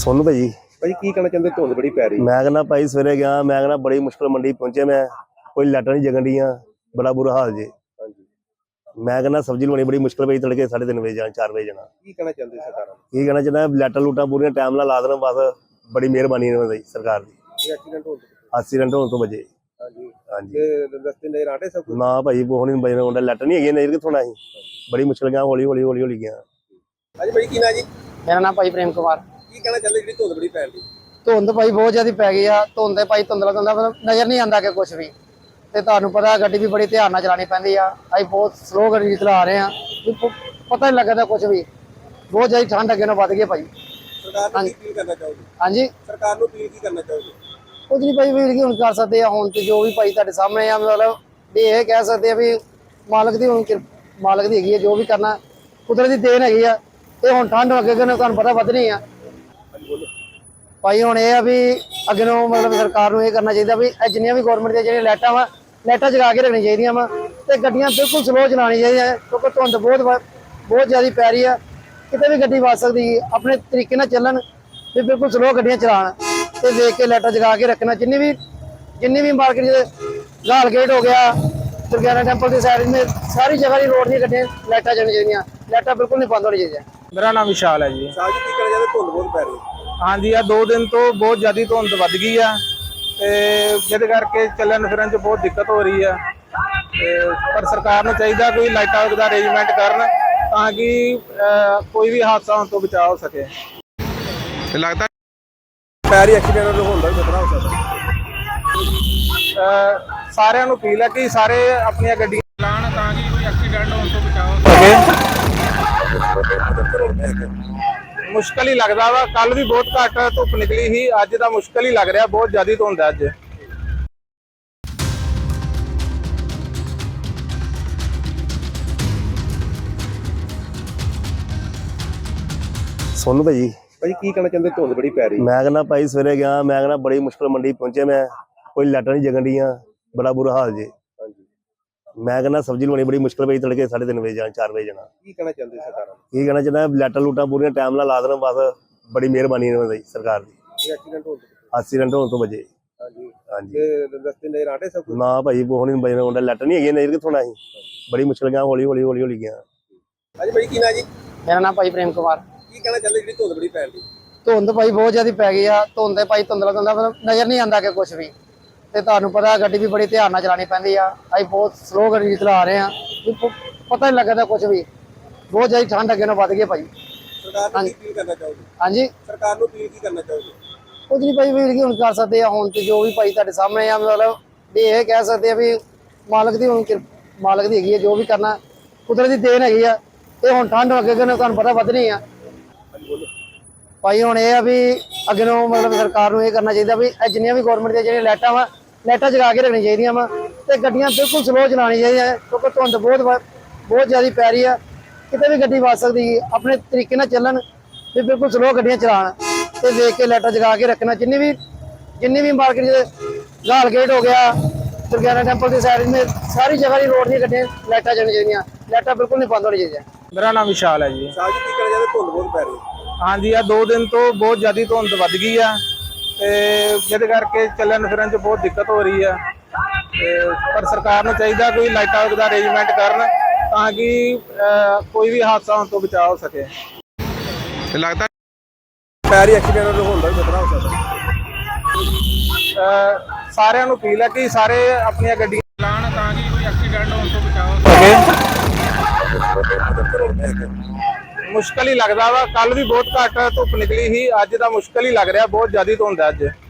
सोनू भाई ਭਾਜੀ ਕੀ ਕਹਿਣਾ ਚਾਹੁੰਦੇ ਧੁੰਦ ਬੜੀ ਪੈ ਰਹੀ मैं कहना भाई सवेरे गया मैं कहना बड़ी मुश्किल मंडी पहुंचे मैं कोई लाइटा नहीं जगन दियां बड़ा बुरा हाल जे ਹਾਂਜੀ मैं कहना सब्जी लवानी बड़ी मुश्किल पई तड़के 3:30 बजे जाना 4 बजे जाना ਕੀ ਕਹਿਣਾ ਚਾਹੁੰਦੇ ਸਰਕਾਰਾਂ ਨੂੰ की कहना चाहना लाइटा लूटा पूरी टाइम ला देना बस बड़ी मेहरबानी सरकार की ਇਹ ਐਕਸੀਡੈਂਟ ਹੋਣ ਤੋਂ एक्सीडेंट होने तो बजे ਹਾਂਜੀ हाँ जी ਤੇ ਰਸਤੇ ਨਜ਼ਰ ਆਟੇ ਸਭ ਕੁਝ ना भाई वो नहीं बजने होंगे लाइटा नहीं है नहीं कितों ही बड़ी मुश्किल गया हौली हौली हौली हौली गया ਹਾਂਜੀ ਭਾਈ ਕੀ ਨਾ ਜੀ ਮੇਰਾ ਨਾਮ ਭਾਈ ਪ੍ਰੇਮ ਕੁਮਾਰ। ਕੀ ਕਹਿਣਾ ਚਾਹੁੰਦੇ ਜਿਹੜੀ ਧੁੰਦ ਬੜੀ ਪੈ ਰਹੀ ਧੁੰਦ ਭਾਈ ਬਹੁਤ ਜ਼ਿਆਦਾ ਪੈ ਗਈ ਆ। ਧੁੰਦ ਦੇ ਭਾਈ ਧੁੰਦਲਾ ਮਤਲਬ ਨਜ਼ਰ ਨਹੀਂ ਆਉਂਦਾ ਕਿ ਕੁਝ ਵੀ, ਤੇ ਤੁਹਾਨੂੰ ਪਤਾ ਗੱਡੀ ਵੀ ਬੜੀ ਧਿਆਨ ਨਾਲ ਚਲਾਉਣੀ ਪੈਂਦੀ ਆ। ਅਸੀਂ ਬਹੁਤ ਸਲੋ ਗੱਡੀ ਚਲਾ ਰਹੇ ਆ, ਪਤਾ ਨਹੀਂ ਲੱਗਦਾ ਕੁਝ ਵੀ। ਬਹੁਤ ਜ਼ਿਆਦਾ ਠੰਡ ਅੱਗੇ ਨਾਲ ਵੱਧ ਗਈ ਭਾਈ। ਸਰਕਾਰ ਨੂੰ ਕੀ ਅਪੀਲ ਕਰਨਾ ਚਾਹੋਗੇ? ਹਾਂਜੀ ਸਰਕਾਰ ਨੂੰ ਅਪੀਲ ਕੀ ਕਰਨਾ ਚਾਹੋਗੇ? ਕੁਝ ਨਹੀਂ ਭਾਈ ਵੀਰ ਕੀ ਹੁਣ ਕਰ ਸਕਦੇ ਆ। ਹੁਣ ਤੇ ਜੋ ਵੀ ਭਾਈ ਤੁਹਾਡੇ ਸਾਹਮਣੇ ਆ, ਮਤਲਬ ਵੀ ਇਹ ਕਹਿ ਸਕਦੇ ਆ ਵੀ ਮਾਲਕ ਦੀ ਹੁਣ ਮਾਲਕ ਦੀ ਹੈਗੀ ਆ, ਜੋ ਵੀ ਕਰਨਾ ਕੁਦਰਤ ਦੀ ਦੇਣ ਹੈਗੀ ਆ। ਇਹ ਹੁਣ ਠੰਡ ਅੱਗੇ ਅੱਗੇ ਤੁਹਾਨੂੰ ਪਤਾ ਵਧਣੀ ਆ ਭਾਈ। ਹੁਣ ਇਹ ਆ ਵੀ ਅੱਗੇ ਨੂੰ ਮਤਲਬ ਸਰਕਾਰ ਨੂੰ ਇਹ ਕਰਨਾ ਚਾਹੀਦਾ ਵੀ ਇਹ ਜਿੰਨੀਆਂ ਵੀ ਗਵਰਨਮੈਂਟ ਦੀਆਂ ਜਿਹੜੀਆਂ ਲਾਈਟਾਂ ਜਗਾ ਕੇ ਰੱਖਣੀਆਂ ਚਾਹੀਦੀਆਂ ਵਾ, ਤੇ ਗੱਡੀਆਂ ਬਿਲਕੁਲ ਸਲੋ ਚਲਾਉਣੀ ਚਾਹੀਦੀਆਂ, ਕਿਉਂਕਿ ਧੁੰਦ ਬਹੁਤ ਜ਼ਿਆਦਾ ਪੈ ਰਹੀ ਆ। ਕਿਤੇ ਵੀ ਗੱਡੀ ਵੱਜ ਸਕਦੀ, ਆਪਣੇ ਤਰੀਕੇ ਨਾਲ ਚੱਲਣ ਤੇ ਬਿਲਕੁਲ ਸਲੋ ਗੱਡੀਆਂ ਚਲਾਉਣ ਤੇ ਦੇਖ ਕੇ ਲਾਈਟਾਂ ਜਗਾ ਕੇ ਰੱਖਣਾ। ਜਿੰਨੀ ਵੀ ਮਾਰਕੀਟ ਲਾਲ ਗੇਟ ਹੋ ਗਿਆ, ਦੁਰਗਿਆਨਾ ਟੈਂਪਲ ਦੀ ਸਾਈਡ में ਸਾਰੀ ਜਗ੍ਹਾ ਦੀ ਰੋਡ ਦੀਆਂ ਗੱਡੀਆਂ ਲਾਈਟਾਂ ਚੱਲਣੀਆਂ ਚਾਹੀਦੀਆਂ। ਲਾਈਟਾਂ ਬਿਲਕੁਲ ਨਹੀਂ ਬੰਦ ਹੋਣੀ ਚਾਹੀਦੀਆਂ। मेरा नाम विशाल है जी। ਸਾਜ ਕੀ ਕਹਿਣਾ ਚਾਹੁੰਦੇ ਧੁੰਦ ਬਹੁਤ ਪੈ ਰਹੀ हाँ जी, आ 2 दिन तो बहुत ज़्यादा धुंध वध गई है, जिहदे करके चलन फिरन च बहुत दिक्कत हो रही है। पर सरकार नूं चाहिए कोई लाइटां दा अरेंजमेंट करन ताकि कोई भी हादसा होने तो बचाव हो सके। ਲੱਗਦਾ ਪੈ ਰਹੀ ਐਕਸੀਡੈਂਟ ਹੋਣ ਦਾ ਵੀ ਖਤਰਾ ਹੋ ਸਕਦਾ। सारिਆਂ ਨੂੰ अपील है कि सारे अपनी गड्डियां चलाण ताकि कोई एक्सीडेंट होने तो बचाव हो सके। मुश्किल ही लगता वा, कल भी बहुत घट धुप निकली ही, अज तो मुश्किल ही लग रहा, बहुत ज्यादा धुंध है अज। सोनू भाई ਭਾਜੀ ਕੀ ਕਹਿਣਾ ਚਾਹੁੰਦੇ ਧੁੰਦ ਬੜੀ ਪੈ ਰਹੀ मैं कहना भाई सवेरे गया मैं कहना बड़ी मुश्किल मंडी पहुंचे मैं कोई लाइटा नहीं जगन दियां बड़ा बुरा हाल जे ਹਾਂਜੀ मैं कहना सब्जी लवानी बड़ी मुश्किल पई तड़के 3:30 बजे जाना 4 बजे जाना ਕੀ ਕਹਿਣਾ ਚਾਹੁੰਦੇ ਸਰਕਾਰਾਂ ਨੂੰ? की कहना चाहना लाइटा लूटा पूरी टाइम ला देना बस बड़ी मेहरबानी सरकार की ਇਹ ਐਕਸੀਡੈਂਟ ਹੋਣ ਤੋਂ एक्सीडेंट होने तो बजे ਹਾਂਜੀ हाँ जी ਤੇ ਰਸਤੇ ਨਜ਼ਰ ਆਟੇ ਸਭ ਕੁਝ ना भाई वो नहीं बजने होंगे लाइटा नहीं है नहीं कितों ही बड़ी मुश्किल गया हौली हौली हौली हौली गया ਹਾਂਜੀ ਭਾਈ ਕੀ ਨਾ ਜੀ ਮੇਰਾ ਨਾਮ ਭਾਈ ਪ੍ਰੇਮ ਕੁਮਾਰ। ਕੀ ਕਹਿਣਾ ਚਾਹੁੰਦੇ ਜਿਹੜੀ ਧੁੰਦ ਬੜੀ ਪੈ ਰਹੀ ਧੁੰਦ ਭਾਈ ਬਹੁਤ ਜ਼ਿਆਦਾ ਪੈ ਗਈ ਆ। ਧੁੰਦ ਦੇ ਭਾਈ ਧੁੰਦਲਾ ਮਤਲਬ ਨਜ਼ਰ ਨਹੀਂ ਆਉਂਦਾ ਕਿ ਕੁਝ ਵੀ, ਤੇ ਤੁਹਾਨੂੰ ਪਤਾ ਗੱਡੀ ਵੀ ਬੜੀ ਧਿਆਨ ਨਾਲ ਚਲਾਉਣੀ ਪੈਂਦੀ ਆ। ਅਸੀਂ ਬਹੁਤ ਸਲੋ ਗੱਡੀ ਚਲਾ ਰਹੇ ਆ, ਪਤਾ ਨਹੀਂ ਲੱਗਦਾ ਕੁਝ ਵੀ। ਬਹੁਤ ਜ਼ਿਆਦਾ ਠੰਡ ਅੱਗੇ ਨਾਲ ਵੱਧ ਗਈ ਭਾਈ। ਸਰਕਾਰ ਨੂੰ ਕੀ ਅਪੀਲ ਕਰਨਾ ਚਾਹੋਗੇ? ਹਾਂਜੀ ਸਰਕਾਰ ਨੂੰ ਅਪੀਲ ਕੀ ਕਰਨਾ ਚਾਹੋਗੇ? ਕੁਝ ਨਹੀਂ ਭਾਈ ਵੀਰ ਕੀ ਹੁਣ ਕਰ ਸਕਦੇ ਆ। ਹੁਣ ਤੇ ਜੋ ਵੀ ਭਾਈ ਤੁਹਾਡੇ ਸਾਹਮਣੇ ਆ, ਮਤਲਬ ਵੀ ਇਹ ਕਹਿ ਸਕਦੇ ਆ ਵੀ ਮਾਲਕ ਦੀ ਹੁਣ ਮਾਲਕ ਦੀ ਹੈਗੀ ਆ, ਜੋ ਵੀ ਕਰਨਾ ਕੁਦਰਤ ਦੀ ਦੇਣ ਹੈਗੀ ਆ। ਇਹ ਹੁਣ ਠੰਡ ਅੱਗੇ ਅੱਗੇ ਨਾਲ ਤੁਹਾਨੂੰ ਪਤਾ ਵਧਣੀ ਆ ਭਾਈ। ਹੁਣ ਇਹ ਆ ਵੀ ਅੱਗੇ ਨੂੰ ਮਤਲਬ ਸਰਕਾਰ ਨੂੰ ਇਹ ਕਰਨਾ ਚਾਹੀਦਾ ਵੀ ਇਹ ਜਿੰਨੀਆਂ ਵੀ ਗਵਰਨਮੈਂਟ ਦੀਆਂ ਜਿਹੜੀਆਂ ਲਾਈਟਾਂ ਜਗਾ ਕੇ ਰੱਖਣੀਆਂ ਚਾਹੀਦੀਆਂ ਵਾ, ਤੇ ਗੱਡੀਆਂ ਬਿਲਕੁਲ ਸਲੋ ਚਲਾਉਣੀ ਚਾਹੀਦੀਆਂ, ਕਿਉਂਕਿ ਧੁੰਦ ਬਹੁਤ ਜ਼ਿਆਦਾ ਪੈ ਰਹੀ ਆ। ਕਿਤੇ ਵੀ ਗੱਡੀ ਵੱਜ ਸਕਦੀ, ਆਪਣੇ ਤਰੀਕੇ ਨਾਲ ਚੱਲਣ ਤੇ ਬਿਲਕੁਲ ਸਲੋ ਗੱਡੀਆਂ ਚਲਾਉਣ ਤੇ ਦੇਖ ਕੇ ਲਾਈਟਾਂ ਜਗਾ ਕੇ ਰੱਖਣਾ। ਜਿੰਨੀ ਵੀ ਮਾਰਕੀਟ ਲਾਲ ਗੇਟ ਹੋ ਗਿਆ, ਦੁਰਗਿਆਨਾ ਟੈਂਪਲ ਦੀ ਸਾਈਡ में ਸਾਰੀ ਜਗ੍ਹਾ ਦੀ ਰੋਡ ਦੀਆਂ ਗੱਡੀਆਂ ਲਾਈਟਾਂ ਚੱਲਣੀਆਂ ਚਾਹੀਦੀਆਂ। ਲਾਈਟਾਂ ਬਿਲਕੁਲ ਨਹੀਂ ਬੰਦ ਹੋਣੀ ਚਾਹੀਦੀਆਂ। मेरा नाम विशाल है जी। ਸਾਜ ਕੀ ਕਹਿਣਾ ਚਾਹੁੰਦੇ ਧੁੰਦ ਬਹੁਤ ਪੈ ਰਹੀ हाँ जी, आ 2 दिन तो बहुत ज्यादा धुंध वध गई है, जिहदे करके चलन फिरन च बहुत दिक्कत हो रही है। पर सरकार नूं चाहिए कोई लाइटां दा अरेंजमेंट करन ताकि कोई भी हादसा होने तो बचाव हो सके। ਲੱਗਦਾ ਪੈ ਰਹੀ ਐਕਸੀਡੈਂਟ ਹੋਣ ਦਾ ਵੀ ਖਤਰਾ ਹੋ ਸਕਦਾ। सारिਆਂ ਨੂੰ अपील है कि सारे अपनी गड्डियां चलाण ताकि कोई एक्सीडेंट होने तो बचाव हो सके। मुश्किल ही लगता वा, कल भी बहुत घट धुप निकली ही, अज तो मुश्किल ही लग रहा, बहुत ज्यादा धुंध है अज।